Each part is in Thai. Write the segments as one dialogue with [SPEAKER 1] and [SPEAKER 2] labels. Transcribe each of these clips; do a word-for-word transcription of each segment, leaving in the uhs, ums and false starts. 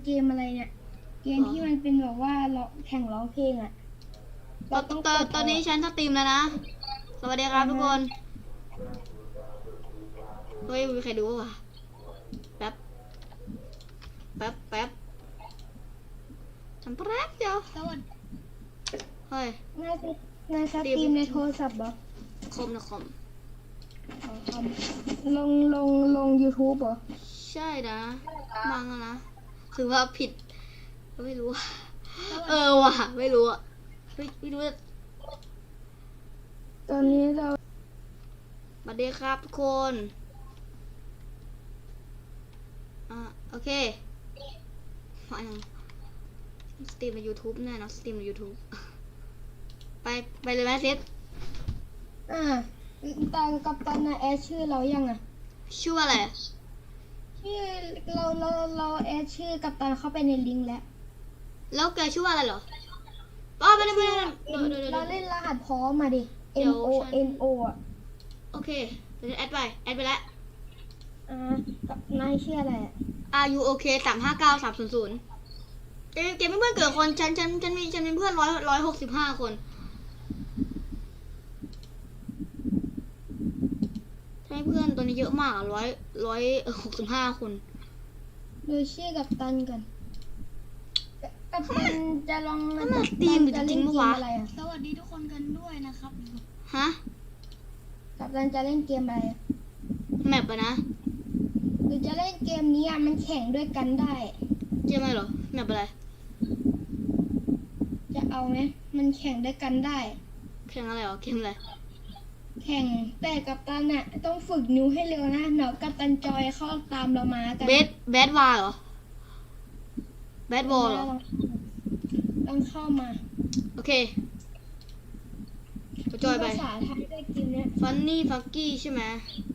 [SPEAKER 1] เกมอะไรเนี่ยเกมที่มันเป็นแบบว่าร้องแข่งร้องเพลงอ่ะ
[SPEAKER 2] ตอนตอนตอนนี้ฉันสตรีมแล้วนะสวัสดีครับทุกคนเฮ้ยมีใครดูวะแป๊บแป๊บแป๊บทำแป๊บเดียว
[SPEAKER 1] สวัสดี
[SPEAKER 2] เฮ้ย
[SPEAKER 1] นายนายสตรีมในโทรศัพท์เหรอ
[SPEAKER 2] คอมนะคอม
[SPEAKER 1] อ๋อครับลงลงลง YouTube เหรอ
[SPEAKER 2] ใช่นะมังอะนะถือว่าผิดไม่รู้อะเออว่ะไม่รู้อะไม่ไม่รู้อะ
[SPEAKER 1] ตอนนี้เรา
[SPEAKER 2] สวัสดีครับทุกคนอ่ะโอเคมาอย่างสตรีมใน YouTube แน่เนอะสตรีมใน YouTube ไปไปเลยไหมเซต
[SPEAKER 1] อ่าตอนกับตันนะแอดชื่อเรายังอ่ะ
[SPEAKER 2] ชื่ออะไร
[SPEAKER 1] ชื่อเราเราเราแอดชื่อกับตันเข้าไปในลิงก์แล้ว
[SPEAKER 2] แล้วแกชื่ออะไรเหรออ๋อไม่ได้ไม่ได้เดี๋ยวเดี๋ยวเดี๋ยว
[SPEAKER 1] เรา
[SPEAKER 2] เดี๋ยว
[SPEAKER 1] เล่นรหัสพร้อมมาดิ
[SPEAKER 2] เดี๋ย
[SPEAKER 1] M
[SPEAKER 2] ว
[SPEAKER 1] O
[SPEAKER 2] ฉัน
[SPEAKER 1] N O อ่ะ
[SPEAKER 2] โอเคเดี๋ยวฉันแอดไปแอดไปแล้ว
[SPEAKER 1] อ่ากับนายชื่ออะไรอ่ะ
[SPEAKER 2] R U O K สามห้าเก้าสามศูนย์ศูนย์เกมเกมไม่เพื่อนเกิดคนฉันฉันฉันมีฉันมีเพื่อนร้อยร้อยหกสิบห้าคนใช่เพื่อนตัวนี้เยอะมากร้อยร้อยหกสิบห้าคน
[SPEAKER 1] ดูชื่อกับตันก่อนกับตันจะลอง
[SPEAKER 2] นั่นมันตีมหรือจริงๆปะวะ
[SPEAKER 1] อะไรอ่ะ
[SPEAKER 3] สวัสดีทุกคนกันด้วยนะครับ
[SPEAKER 2] ฮะ
[SPEAKER 1] กับตันจะเล่นเกมอะไรอะ
[SPEAKER 2] แมปอะนะ
[SPEAKER 1] หรือจะเล่นเกมนี้อ่ะมันแข่งด้วยกันได้
[SPEAKER 2] เกมอะไรเหรอแมปอะไร
[SPEAKER 1] จะเอาไหมมันแข่งด้วยกันได้
[SPEAKER 2] แข่งอะไรเหรอเกมอะไร
[SPEAKER 1] แข่งแต่กับตันน่ะต้องฝึกนิ้วให้เร็วนะเดี๋ยวกับตันจอยเข้าตามเรามากัน
[SPEAKER 2] เบสแบดวาเหรอแบดบอลเหรอ
[SPEAKER 1] ต้องเข้ามา
[SPEAKER 2] โอเคไปจอยไป
[SPEAKER 1] ภาษาไทยด้วยเกมเนี้ย
[SPEAKER 2] ฟันนี่ฟักกี้ใช่ไหม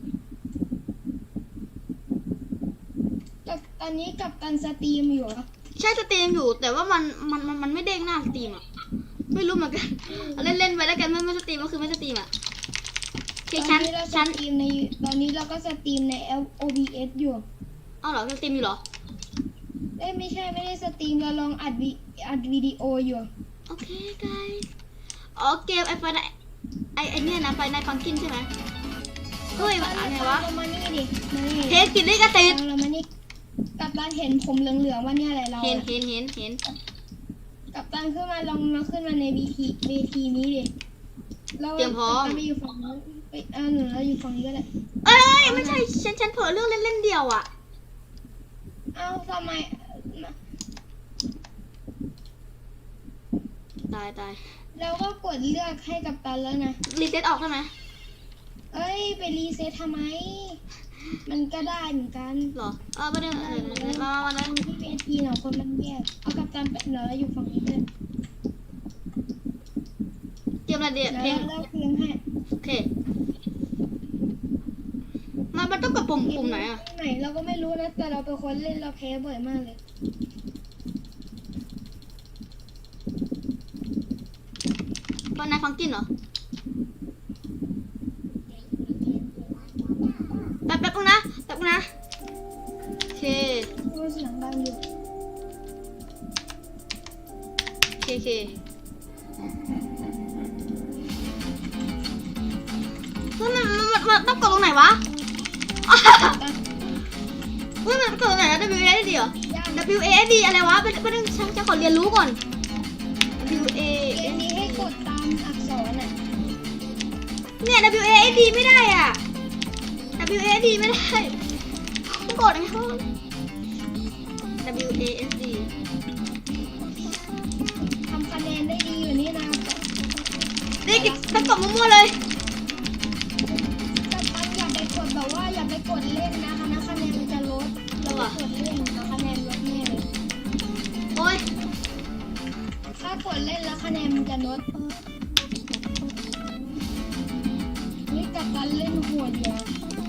[SPEAKER 1] แต่ตอนนี้กับตันสตรีมอยู่เหรอ
[SPEAKER 2] ใช่สตรีมอยู่แต่ว่ามันมันมันมันไม่เด้งหน้าสตรีมอ่ะไม่รู้เหมือนกันเอาเล่นเล่นไปแล้วกันไม่ไม่สตรีมก็คือไม่สตรีมอ่ะโอเค
[SPEAKER 1] ต
[SPEAKER 2] ชั้
[SPEAKER 1] อน นนี้เราส
[SPEAKER 2] ชั้น
[SPEAKER 1] ตรีมในตอนนี้เราก็สตรีมใน O B S อยู่
[SPEAKER 2] เอาเหรอสตรีมอยู่เหรอ
[SPEAKER 1] เอ้ยไม่ใช่ไม่ได้สตรีมเราลองอัดวิอัดวิดีโออยู่
[SPEAKER 2] โอเค guys อ๋อเกมไอไฟไอไอเนี่ยนะไฟในฟังกินใช่ไหมเฮ้ยมันอะไรวะ
[SPEAKER 1] เรามานี่ดิมานี่
[SPEAKER 2] เทสกินได้กระติด
[SPEAKER 1] เรามานี่กับตันเห็นผมเหลืองๆว่าเนี่ยอะไรเรา
[SPEAKER 2] เห็น
[SPEAKER 1] อะ
[SPEAKER 2] เห็นเห็นเห็น
[SPEAKER 1] กับตันขึ้นมาลองมาขึ้นมาในเวทีเวทีนี้ดิเรา
[SPEAKER 2] เตรียมพร้อม
[SPEAKER 1] กัปตันไปอยู่ฝั่งนู้นไปอ่าหนูเราอยู่ฝั่งนี้ก็ได้
[SPEAKER 2] เอ้ยไม่ใช่ฉันฉันเผลอเรื่องเล่นเล่นเดียวอ่ะ
[SPEAKER 1] เอ้าทำไม
[SPEAKER 2] ตายตาย
[SPEAKER 1] เราก็กดเลือกให้กับตันแล้วนะ
[SPEAKER 2] รีเซ็ตออกใช่ไหม
[SPEAKER 1] เอ้ยไปรีเซ็ตทำไม มันก็ได้เหมือนกัน
[SPEAKER 2] หรอเออประเด็นมามามานะ
[SPEAKER 1] ที่เวทีเนาะคนมันแยกเอากับตันไปเนาะเราอยู่ฝั่งนี้เลย
[SPEAKER 2] เกมอะไรเดีย
[SPEAKER 1] แล้ว
[SPEAKER 2] เพลง
[SPEAKER 1] เราเพลงให้
[SPEAKER 2] โอเคมันมันต้องกดปุ่มปุ่มไหนอ่ะ
[SPEAKER 1] ไหนเราก็ไม่รู้นะแต่เราเป็นคนเล่นเราแพ้บ่อยมากเลย
[SPEAKER 2] ฟันในฟังกินเหรอแป๊บแป๊บนึงนะแป๊บนึงนะโอเค
[SPEAKER 1] มันเสียงดังอยู่
[SPEAKER 2] โอเคโอเคเฮ้ยมันมันมันมันต้องกดตรงไหนวะเฮ้ยมันกดตรงไหนนะ W A S D เหรอ W A S D อะไรวะเป็นเป็นฉันฉันขอเรียนรู้ก่อน W A
[SPEAKER 1] เกมนี้ให้กดตามอักษรอ่ะ
[SPEAKER 2] เนี่ย W A S D ไม่ได้อ่ะ W A S D ไม่ได้ต้องกดอะไรเขา W A S D
[SPEAKER 1] ทำคะแนนได้ดีอยู่นี่นะ
[SPEAKER 2] นี่กิต้องกดมั่วๆเลย
[SPEAKER 1] แต่ตันอย่าไปกดแบบว่าอย่าไปกดเล่นนะคะนะคะแนนมันจะลดเราไปกดเล่นนะคะแนนลดแน่เลย
[SPEAKER 2] โอ้ย
[SPEAKER 1] ถ้ากดเล่นแล้วคะแนนมันจะลดนี่กับตันเล่นหัวเดียว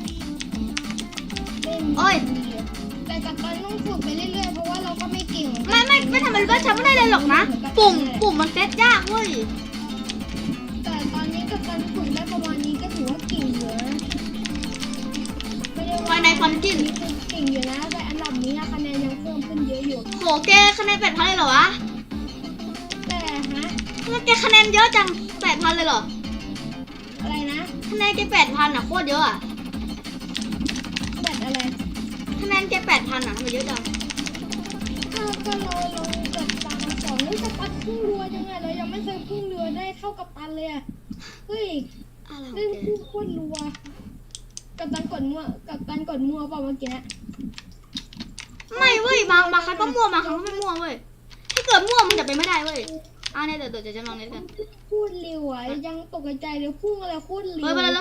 [SPEAKER 1] เล่น
[SPEAKER 2] โอ้ย
[SPEAKER 1] ดีอะแต่กับตันต้องฝึกไปเรื่อยๆเพราะว่าเราก็ไม่เก่ง
[SPEAKER 2] ไม่ไม่ไม่ทำมันก็ฉันไม่ได้เลยหรอกนะ ปุ่มปุ่มมันเซตยากเว้ย
[SPEAKER 1] แต่ตอนนี้กับตันฝึกได้ประมาณนี้ก็ถือว่าเก่งอยู่นะไม่ได้
[SPEAKER 2] ไฟ
[SPEAKER 1] ว่า
[SPEAKER 2] ในฟันกิน
[SPEAKER 1] เก่งอยู่นะแต่อันดับนี้นะคะแนนยังเพิ่มขึ้นเยอะอยู่
[SPEAKER 2] โหแกคะแนนแปดพันเลยเหรอวะ
[SPEAKER 1] แต่ฮะ
[SPEAKER 2] ทำไมแกคะแนนเยอะจังแปดพันเลยเหรอ
[SPEAKER 1] อะไรนะ
[SPEAKER 2] คะแนนแกแปดพันอ่ะโคตรเยอะอ่ะ
[SPEAKER 1] แบตอะไร
[SPEAKER 2] คะแนนแกแปดพันอ่ะทำไมเยอะจัง
[SPEAKER 1] ก็ก็เราเรากับตันสองเฮ้ยกัปตันพุ่งเรือยังไงเรายังไม่เคยพุ่งเรือได้เท่ากัปตันเลยอะเฮ้ย
[SPEAKER 2] อะไรของ
[SPEAKER 1] เล่น
[SPEAKER 2] แก
[SPEAKER 1] พุ่งโคตรรัวกัปตันกดมั่วกัปตันกดมั่วเปล่าเมื่อกี้
[SPEAKER 2] ไม่เว้ยบางบางครั้งก็มั่วบางครั้งก็ไม่มั่วเว้ยถ้าเกิดมั่วมันจะไปไม่ได้เว้ยอ่าเนี่ยเดี๋ยวเดี๋ยวจะลองเล่นกัน
[SPEAKER 1] พูดเร็วอะยังตกใจเลยพุ่งอะไรโคตรเร็ว
[SPEAKER 2] เฮ้ยมาแล้ว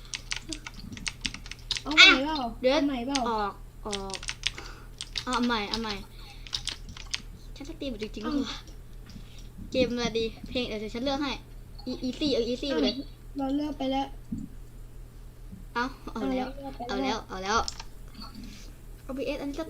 [SPEAKER 1] เอาใหม่เปล่า
[SPEAKER 2] เดี๋ยว
[SPEAKER 1] เอาใหม่เปล่า
[SPEAKER 2] ออกออกเอาใหม่เอาใหม่ฉันสตรีมจริงๆก็คือเกมอะไรดีเพลงเดี๋ยวฉันเลือกให้อีซี่เอาอีซี่ไปเลย
[SPEAKER 1] เราเลือกไปแล้ว
[SPEAKER 2] เอาเอาแล้ว เอาแล้ว เอาแล้ว โอ บี เอส อันนี้ก็